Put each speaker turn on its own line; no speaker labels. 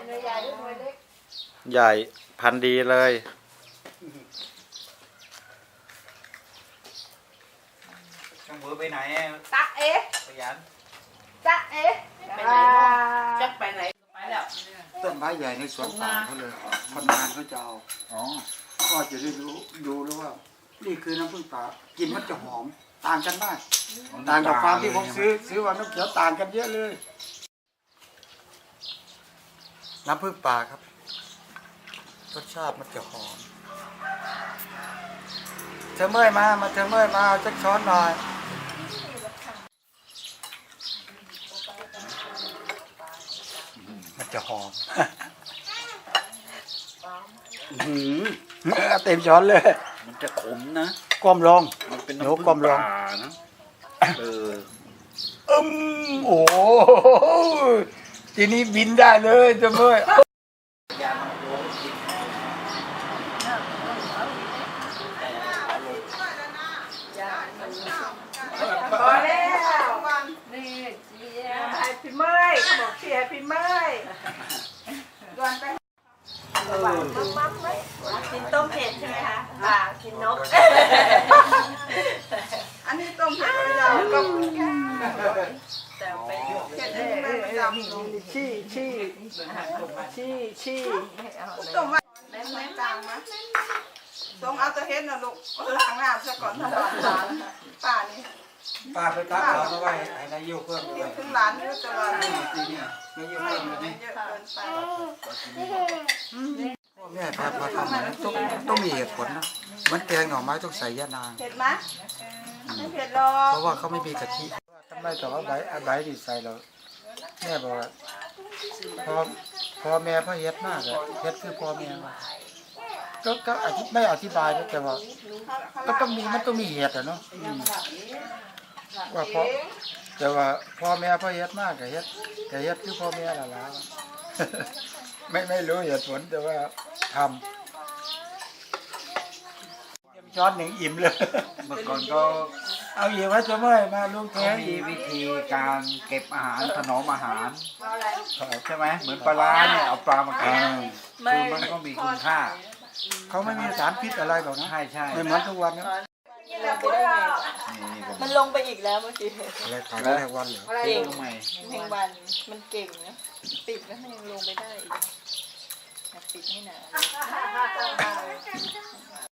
หน่วยใหญ่หรือหน่วยเล็ก
ใหญ่พันธุ์ดีเลย
ช่างเบอร์ไปไหน
ตะเอ๊ะ
ขยัน
ตะเอ๊ะไปไหนจะไปไหนไปแล้ว
ต้นไม้ใหญ่ในสวนป่าเขาเลยคนงานเขาจะเอาก็จะได้ดูแล้วว่านี่คือน้ำผึ้งป่ากินมันจะหอมต่างกันมากต่างกับฟาร์มที่ผมซื้อว่าน้ำเขียวต่างกันเยอะเลยน้ำผึ้งป่าครับรสชาติมันจะหอมเธอเมื่อยมาเธอเมื่อยมาจักช้อนหน่อยมันจะหอมเต็มช้อนเลย
มันจะขมนะ
ก้มลง
มันเป็น
น้ำก้มลง
นะ
โอ้ทีนี้บินได้เลยเธอเมื่อย
พอแล้วนี่ให้พี่เมย์เขาบอกเชียร์พี่เมย์ก่อนไปมัมไหมกินต้มเผ็ดใช่ไหมคะกินนกอันนี้ต้มเผ็ดเราก็แต่ไปเผ็ดนี่ไม่ประจำชี้ต้มไว้แม่จางมั้ยทรงเอาตัวเฮ็ดนะลูกล้างน้ำซะก่อนถ้าหลานป่านี่
ป้าไปตักเอาเอาไว้ให้นายโยกเพิ่มด้วย
ถึงหลานนี่จะว่า
นี่นายโยกเพิ่มเลย
เยอะเกินไป
แม่พาทำต้องมีเหตุผลนะมันแกงหน่อไม้ต้องใส่ยะนาง
เผ็ดไหมไม่เผ็ดหรอก
เพราะว่าเขาไม่มีกะทิทำไมแต่ว่าใบดีใส่เราแม่บอกว่าพอแม่พ่อเฮ็ดมากอะเฮ็ดคือพ่อแม่ก็ไม่อธิบายนะแต่ว่าก็ต้องมีมันต้องมีเหตุอะเนาะว่าเพราะแต่ว่าพ่อแม่พ่อเฮ็ดมากกับเฮ็ดคือพ่อแม่ละล้าไม่รู้เหตุผลแต่ว่าทำช้อนหนึ่งอิ่มเลย
เมื่อก่อนก็
เอาอีกว่าจะเมื่อยมาลุงแท้
มีวิธีการเก็บอาหารถนอมอาหารใช่ไหมเหมือนปลาเนี่ยเอาปลามาเก็บคือมันก็มีคุณค่า
เขาไม่มีสารพิษอะไรหรอกนะ
ใช่
ไม่เหมือนทุกวันนะ
มันลงไปอีกแล้วเมื่อกี้
อะไรขายได้วันเหรอ
เก่งเพลงวันมันเก่งนะปิดแล้วมันยังลงไปได้อีกปิดให้หนา